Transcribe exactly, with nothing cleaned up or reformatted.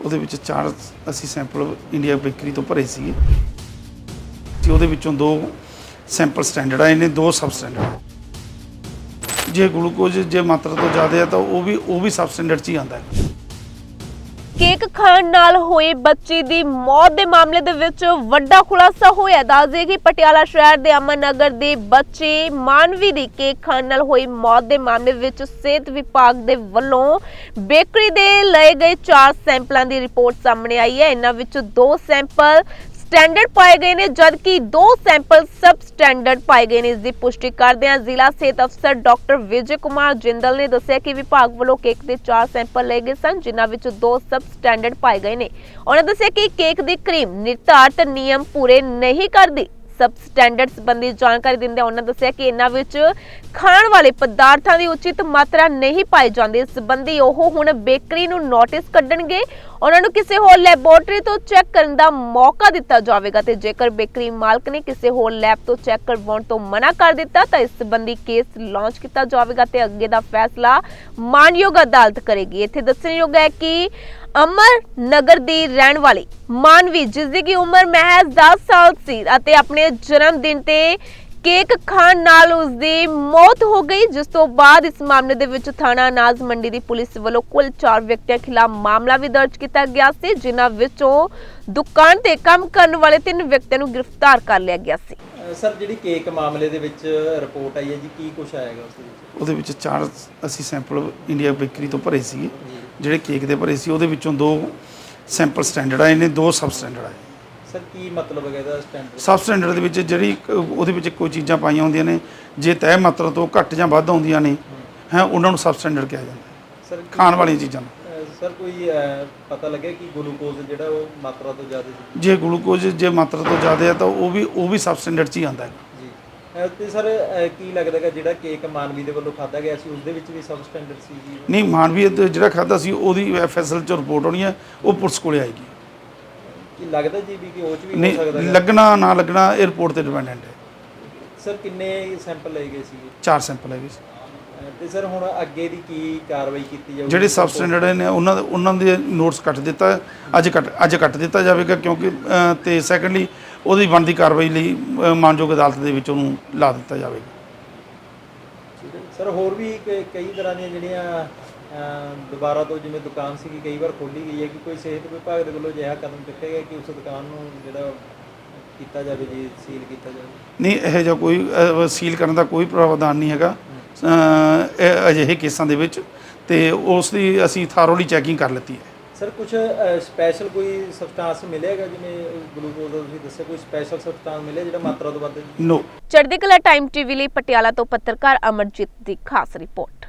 ਉਹਦੇ ਵਿੱਚ ਚਾਰ ਅਸੀਂ ਸੈਂਪਲ ਇੰਡੀਆ ਬੇਕਰੀ ਤੋਂ ਭਰੇ ਸੀਗੇ ਤੇ ਉਹਦੇ ਵਿੱਚੋਂ ਦੋ ਸੈਂਪਲ ਸਟੈਂਡਰਡ ਆਏ ਨੇ, ਦੋ ਸਬ ਸਟੈਂਡਰਡ। ਜੇ ਗਲੂਕੋਜ਼ ਜੇ ਮਾਤਰਾ ਤੋਂ ਜ਼ਿਆਦਾ ਹੈ ਤਾਂ ਉਹ ਵੀ ਉਹ ਵੀ ਸਬ ਸਟੈਂਡਰਡ 'ਚ ਹੀ ਆਉਂਦਾ ਹੈ। ਕੇਕ ਖਾਣ ਨਾਲ ਹੋਏ ਬੱਚੀ ਦੀ ਮੌਤ ਦੇ ਮਾਮਲੇ ਦੇ ਵਿੱਚ ਵੱਡਾ ਖੁਲਾਸਾ ਹੋਇਆ। ਦੱਸ ਦਈਏ ਕਿ ਪਟਿਆਲਾ ਸ਼ਹਿਰ ਦੇ ਅਮਨ ਨਗਰ ਦੇ ਬੱਚੇ ਮਾਨਵੀ ਦੀ ਕੇਕ ਖਾਣ ਨਾਲ ਹੋਈ ਮੌਤ ਦੇ ਮਾਮਲੇ ਵਿੱਚ ਸਿਹਤ ਵਿਭਾਗ ਦੇ ਵੱਲੋਂ ਬੇਕਰੀ ਦੇ ਲਏ ਗਏ ਚਾਰ ਸੈਂਪਲਾਂ ਦੀ ਰਿਪੋਰਟ ਸਾਹਮਣੇ ਆਈ ਹੈ। ਇਹਨਾਂ ਵਿੱਚ ਦੋ ਸੈਂਪਲ ਸਟੈਂਡਰਡ ਪਾਏ ਗਏ ਨੇ ਜਦਕਿ ਦੋ ਸੈਂਪਲ ਸਬ ਸਟੈਂਡਰਡ ਪਾਏ ਗਏ ਨੇ। ਇਸ ਦੀ ਪੁਸ਼ਟੀ ਕਰਦਿਆਂ ਜ਼ਿਲ੍ਹਾ ਸਿਹਤ ਅਫਸਰ ਡਾਕਟਰ ਵਿਜੇ ਕੁਮਾਰ ਜਿੰਦਲ ਨੇ ਦੱਸਿਆ ਕਿ ਵਿਭਾਗ ਵੱਲੋਂ ਕੇਕ ਦੇ ਚਾਰ ਸੈਂਪਲ ਲਏ ਗਏ ਸਨ, ਜਿਨ੍ਹਾਂ ਵਿੱਚ ਦੋ ਸਬ ਸਟੈਂਡਰਡ ਪਾਏ ਗਏ ਨੇ। ਉਹਨਾਂ ਦੱਸਿਆ ਕਿ ਕੇਕ ਦੀ ਕਰੀਮ ਨਿਰਧਾਰਤ ਨਿਯਮ ਪੂਰੇ ਨਹੀਂ ਕਰਦੀ। ਸਬ ਸਟੈਂਡਰਡ ਸੰਬੰਧੀ ਜਾਣਕਾਰੀ ਦਿੰਦੇ ਉਹਨਾਂ ਦੱਸਿਆ ਕਿ ਇਹਨਾਂ ਵਿੱਚ ਖਾਣ ਵਾਲੇ ਪਦਾਰਥਾਂ ਦੀ ਉਚਿਤ ਮਾਤਰਾ ਨਹੀਂ ਪਾਈ ਜਾਂਦੀ। ਇਸ ਸੰਬੰਧੀ ਉਹ ਹੁਣ ਬੇਕਰੀ ਨੂੰ ਨੋਟਿਸ ਕੱਢਣਗੇ। ਉਹਨਾਂ ਨੂੰ ਕਿਸੇ ਹੋਰ ਲੈਬੋਰੇਟਰੀ ਤੋਂ ਚੈੱਕ ਕਰਨ ਦਾ ਮੌਕਾ ਦਿੱਤਾ ਜਾਵੇਗਾ ਤੇ ਜੇਕਰ ਬੇਕਰੀ ਮਾਲਕ ਨੇ ਕਿਸੇ ਹੋਰ ਲੈਬ ਤੋਂ ਚੈੱਕ ਕਰਵਾਉਣ ਤੋਂ ਮਨਾ ਕਰ ਦਿੱਤਾ ਤਾਂ ਇਸ ਸੰਬੰਧੀ ਕੇਸ ਲਾਂਚ ਕੀਤਾ ਜਾਵੇਗਾ ਤੇ ਅੱਗੇ ਦਾ ਫੈਸਲਾ ਮਾਨਯੋਗ ਅਦਾਲਤ ਕਰੇਗੀ। ਇੱਥੇ ਦੱਸਣਯੋਗ ਹੈ ਕਿ ਅਮਰ ਨਗਰ ਦੀ ਰਹਿਣ ਵਾਲੀ ਮਾਨਵੀ, ਜਿਸ ਦੀ ਉਮਰ ਮਹਿਜ਼ ਦਸ ਸਾਲ ਸੀ ਅਤੇ ਆਪਣੇ ਜਨਮ ਦਿਨ ਤੇ ਕੇਕ ਖਾਣ ਨਾਲ ਉਸ ਦੀ ਮੌਤ ਹੋ ਗਈ, ਜਿਸ ਤੋਂ ਬਾਅਦ ਇਸ ਮਾਮਲੇ ਦੇ ਵਿੱਚ ਥਾਣਾ ਅਨਾਜ ਮੰਡੀ ਦੀ ਪੁਲਿਸ ਵੱਲੋਂ ਕੁੱਲ ਚਾਰ ਵਿਅਕਤੀਆਂ ਖਿਲਾਫ ਮਾਮਲਾ ਵੀ ਦਰਜ ਕੀਤਾ ਗਿਆ ਸੀ, ਜਿਨ੍ਹਾਂ ਵਿੱਚੋਂ ਦੁਕਾਨ ਤੇ ਕੰਮ ਕਰਨ ਵਾਲੇ ਤਿੰਨ ਵਿਅਕਤੀਆਂ ਨੂੰ ਗ੍ਰਿਫਤਾਰ ਕਰ ਲਿਆ ਗਿਆ ਸੀ। ਸਰ, ਜਿਹੜੀ ਕੇਕ ਮਾਮਲੇ ਦੇ ਵਿੱਚ ਰਿਪੋਰਟ ਆਈ ਹੈ ਜੀ, ਕੀ ਕੁਝ ਆਏਗਾ ਉਸ ਦੇ ਵਿੱਚ? ਉਹਦੇ ਵਿੱਚ ਚਾਰ ਅਸੀਂ ਸੈਂਪਲ ਇੰਡੀਆ ਬੇਕਰੀ ਤੋਂ ਭਰੇ ਸੀਗੇ ਜਿਹੜੇ ਕੇਕ ਦੇ ਭਰੇ ਸੀ। ਉਹਦੇ ਵਿੱਚੋਂ ਦੋ ਸੈਂਪਲ ਸਟੈਂਡਰਡ ਆਏ ਨੇ, ਦੋ ਸਬ ਸਟੈਂਡਰਡ ਆਏ। ਸਰ, ਕੀ ਮਤਲਬ ਹੈ ਇਹਦਾ ਸਟੈਂਡਰਡ? ਸਬ ਸਟੈਂਡਰਡ ਦੇ ਵਿੱਚ ਜਿਹੜੀ ਉਹਦੇ ਵਿੱਚ ਕੋਈ ਚੀਜ਼ਾਂ ਪਾਈਆਂ ਹੁੰਦੀਆਂ ਨੇ, ਜੇ ਤੈਅ ਮਾਤਰਾ ਤੋਂ ਘੱਟ ਜਾਂ ਵੱਧ ਆਉਂਦੀਆਂ ਨੇ ਹੈ ਉਹਨਾਂ ਨੂੰ ਸਬ ਸਟੈਂਡਰਡ ਕਿਹਾ ਜਾਂਦਾ। ਸਰ, ਖਾਣ ਵਾਲੀਆਂ ਚੀਜ਼ਾਂ ਨੂੰ ਸਰ ਕੋਈ ਪਤਾ ਲੱਗਿਆ ਕਿ ਗਲੂਕੋਜ਼ ਜਿਹੜਾ ਉਹ ਮਾਤਰਾ ਤੋਂ ਜ਼ਿਆਦਾ ਸੀ? ਜੇ ਗਲੂਕੋਜ਼ ਜੇ ਮਾਤਰਾ ਤੋਂ ਜ਼ਿਆਦਾ ਹੈ ਤਾਂ ਉਹ ਵੀ ਉਹ ਵੀ ਸਬ ਸਟੈਂਡਰਡ 'ਚ ਹੀ ਆਉਂਦਾ ਹੈ ਜੀ। ਤੇ ਸਰ ਕੀ ਲੱਗਦਾ ਕਿ ਜਿਹੜਾ ਕੇਕ ਮਾਨਵੀ ਦੇ ਵੱਲੋਂ ਖਾਧਾ ਗਿਆ ਸੀ ਉਸ ਦੇ ਵਿੱਚ ਵੀ ਸਬ ਸਟੈਂਡਰਡ ਸੀ ਜੀ? ਨਹੀਂ, ਮਾਨਵੀ ਜਿਹੜਾ ਖਾਧਾ ਸੀ ਉਹਦੀ ਐਫ ਐਸ ਐਲ 'ਚ ਰਿਪੋਰਟ ਆਉਣੀ ਹੈ, ਉਹ ਪੁਲਿਸ ਕੋਲੇ ਆਏਗੀ। ਕੀ ਲੱਗਦਾ ਜੀ ਵੀ ਕਿ ਉਹ 'ਚ ਵੀ ਹੋ ਨਹੀਂ, ਸਕਦਾ ਹੈ? ਲੱਗਣਾ ਨਾ ਲੱਗਣਾ ਇਹ ਰਿਪੋਰਟ ਤੇ ਡਿਪੈਂਡੈਂਟ ਹੈ। ਸਰ, ਕਿੰਨੇ ਸੈਂਪਲ ਲਏ ਗਏ ਸੀ? ਚਾਰ ਸੈਂਪਲ ਹੈਗੇ ਸੀ। ਤੇ ਸਰ ਹੁਣ ਅੱਗੇ ਦੀ ਕੀ ਕਾਰਵਾਈ ਕੀਤੀ ਜਾਊਗੀ? ਜਿਹੜੇ ਸਬ ਸਟੈਂਡਰਡ ਨੇ ਉਹਨਾਂ ਦੇ ਉਹਨਾਂ ਦੇ ਨੋਟਸ ਕੱਟ ਦਿੱਤਾ, ਅੱਜ ਕੱਟ ਅੱਜ ਕੱਟ ਦਿੱਤਾ ਜਾਵੇਗਾ ਕਿਉਂਕਿ ਤੇ ਸੈਕੰਡਲੀ ਉਹਦੀ ਬਣਦੀ ਕਾਰਵਾਈ ਲਈ ਮਾਨਯੋਗ ਅਦਾਲਤ ਦੇ ਵਿੱਚ ਉਹਨੂੰ ਲਾ ਦਿੱਤਾ ਜਾਵੇਗਾ। ਸਰ, ਹੋਰ ਵੀ ਕ- ਕਈ ਤਰ੍ਹਾਂ ਦੀਆਂ ਜਿਹੜੀਆਂ ਦੁਬਾਰਾ ਤੋਂ ਜਿਵੇਂ ਦੁਕਾਨ ਸੀਗੀ ਕਈ ਵਾਰ ਖੋਲ੍ਹੀ ਗਈ ਹੈ ਕਿ ਕੋਈ ਸਿਹਤ ਵਿਭਾਗ ਦੇ ਵੱਲੋਂ ਅਜਿਹਾ ਕਦਮ ਚੁੱਕਿਆ ਗਿਆ ਕਿ ਉਸ ਦੁਕਾਨ ਨੂੰ ਜਿਹੜਾ ਕੀਤਾ ਜਾਵੇ ਜੀ, ਸੀਲ ਕੀਤਾ ਜਾਵੇ? ਨਹੀਂ, ਇਹੋ ਜਿਹਾ ਕੋਈ ਅ, ਸੀਲ ਕਰਨ ਦਾ ਕੋਈ ਪ੍ਰਾਵਧਾਨ ਨਹੀਂ ਹੈਗਾ ਇਹ ਅਜਿਹੇ ਕੇਸਾਂ ਦੇ ਵਿੱਚ, ਤੇ ਉਸ ਦੀ ਅਸੀਂ ਥਾਰੋਲੀ ਚੈਕਿੰਗ ਕਰ ਲਿੱਤੀ ਹੈ। ਸਰ, ਕੁਝ ਸਪੈਸ਼ਲ ਕੋਈ ਸਬਸਟੈਂਸ ਮਿਲੇਗਾ ਜਿਵੇਂ ਗਲੂਕੋਜ਼ ਦਾ ਤੁਸੀਂ ਦੱਸਿਆ, ਕੋਈ ਸਪੈਸ਼ਲ ਸਬਸਟੈਂਸ ਮਿਲਿਆ ਜਿਹੜਾ ਮਾਤਰਾ ਤੋਂ ਵੱਧ? ਨੋ। ਚੜ੍ਹਦੀ ਕਲਾ ਟਾਈਮ ਟੀਵੀ ਲਈ ਪਟਿਆਲਾ ਤੋਂ ਪੱਤਰਕਾਰ ਅਮਰਜੀਤ ਦੀ ਖਾਸ ਰਿਪੋਰਟ।